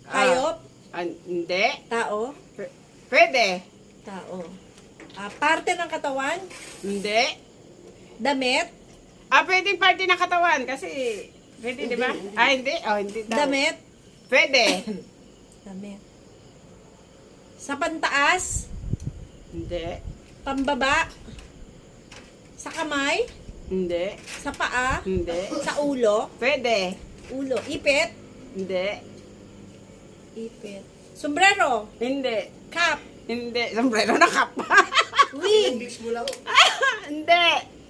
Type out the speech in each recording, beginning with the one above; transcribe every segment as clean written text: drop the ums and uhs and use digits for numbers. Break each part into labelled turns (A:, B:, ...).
A: Hayop?
B: Hindi.
A: Tao?
B: Pwede.
A: Tao. Parte ng katawan?
B: Hindi.
A: Damit?
B: Pwedeng parte ng katawan kasi pwede, di ba? Hindi. Hindi daw.
A: Damit?
B: Pwede.
A: Damit. Sa pantaas?
B: Hindi.
A: Pambaba? Sa kamay?
B: Hindi.
A: Sa paa?
B: Hindi.
A: Sa ulo?
B: Pwede.
A: Ulo. Ipit?
B: Hindi.
A: Ipit. Sombrero?
B: Hindi.
A: Cap?
B: Hindi. Sombrero na kap.
A: Wig?
B: Hindi.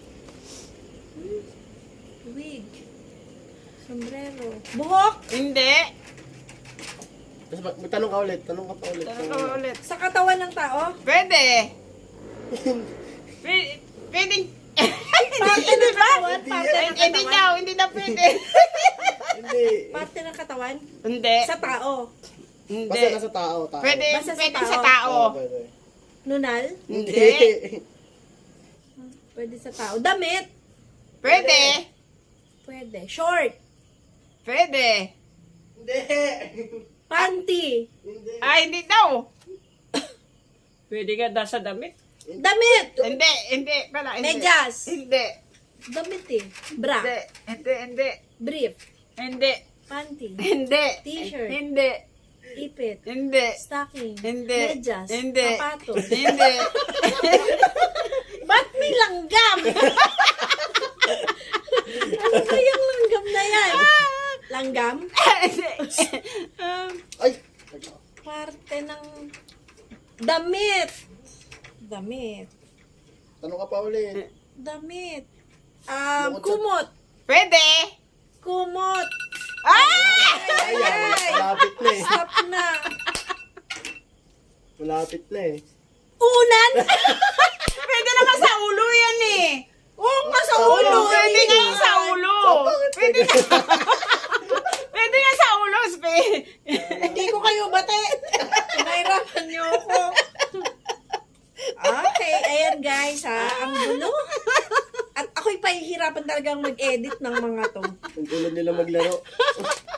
A: Wig. Sombrero. Buhok?
B: Hindi.
C: Tapos magtanong ka ulit. Tanong ka pa ulit.
B: Tanong ka ulit.
A: Sa katawan ng tao?
B: Pwede. Pwedeng.
A: Parte ng katawan? Parte ng
B: Hindi
A: katawan?
B: daw. Hindi daw pwede.
C: Hindi.
A: Parte ng katawan?
B: Hindi.
A: Sa tao?
B: Hindi.
C: Basta nasa tao.
B: Pwede.
A: Basta sa
B: Pwede
A: tao.
B: sa tao.
C: Pwede.
A: Nunal?
B: Hindi.
A: Pwede sa tao. Damit?
B: Pwede.
A: Pwede. Short?
B: Pwede.
C: Hindi.
A: Panty?
C: Hindi.
B: Hindi daw. Pwede ka daw sa damit.
A: Damit?
B: Hindi. Hindi pala. Hindi.
A: Medyas?
B: Hindi.
A: Damit eh. Bra?
B: Hindi. Hindi. Hindi.
A: Brief?
B: Hindi.
A: Panty?
B: Hindi.
A: T-shirt.
B: Hindi.
A: Ipit?
B: Hindi.
A: Stocking?
B: Hindi.
A: Medyas?
B: Hindi.
A: Sapatos?
B: Hindi.
A: Ba't may langgam? Ano kayang langgam na yan? Langgam?
C: Ay!
A: Parte ng damit. Damit.
C: Tanong ka pa ulit.
A: Damit.
C: Bukod sa-
A: Kumot.
B: Pwede.
A: Kumot.
C: Ayan. Malapit na eh.
A: Stop na.
C: Malapit na eh.
A: Unan.
B: Pwede naman sa ulo yan eh.
A: Oo nga sa ulo.
B: Pwede nga yung sa ulo. Pwede nga. Pwede nga sa ulo.
A: Hindi ko kayo bate. Pinahirapan niyo ako. Okay, ayan guys ha. Ang gulo. At ako'y pahihirapan talagang mag-edit ng mga to.
C: Ang gulo nila maglaro.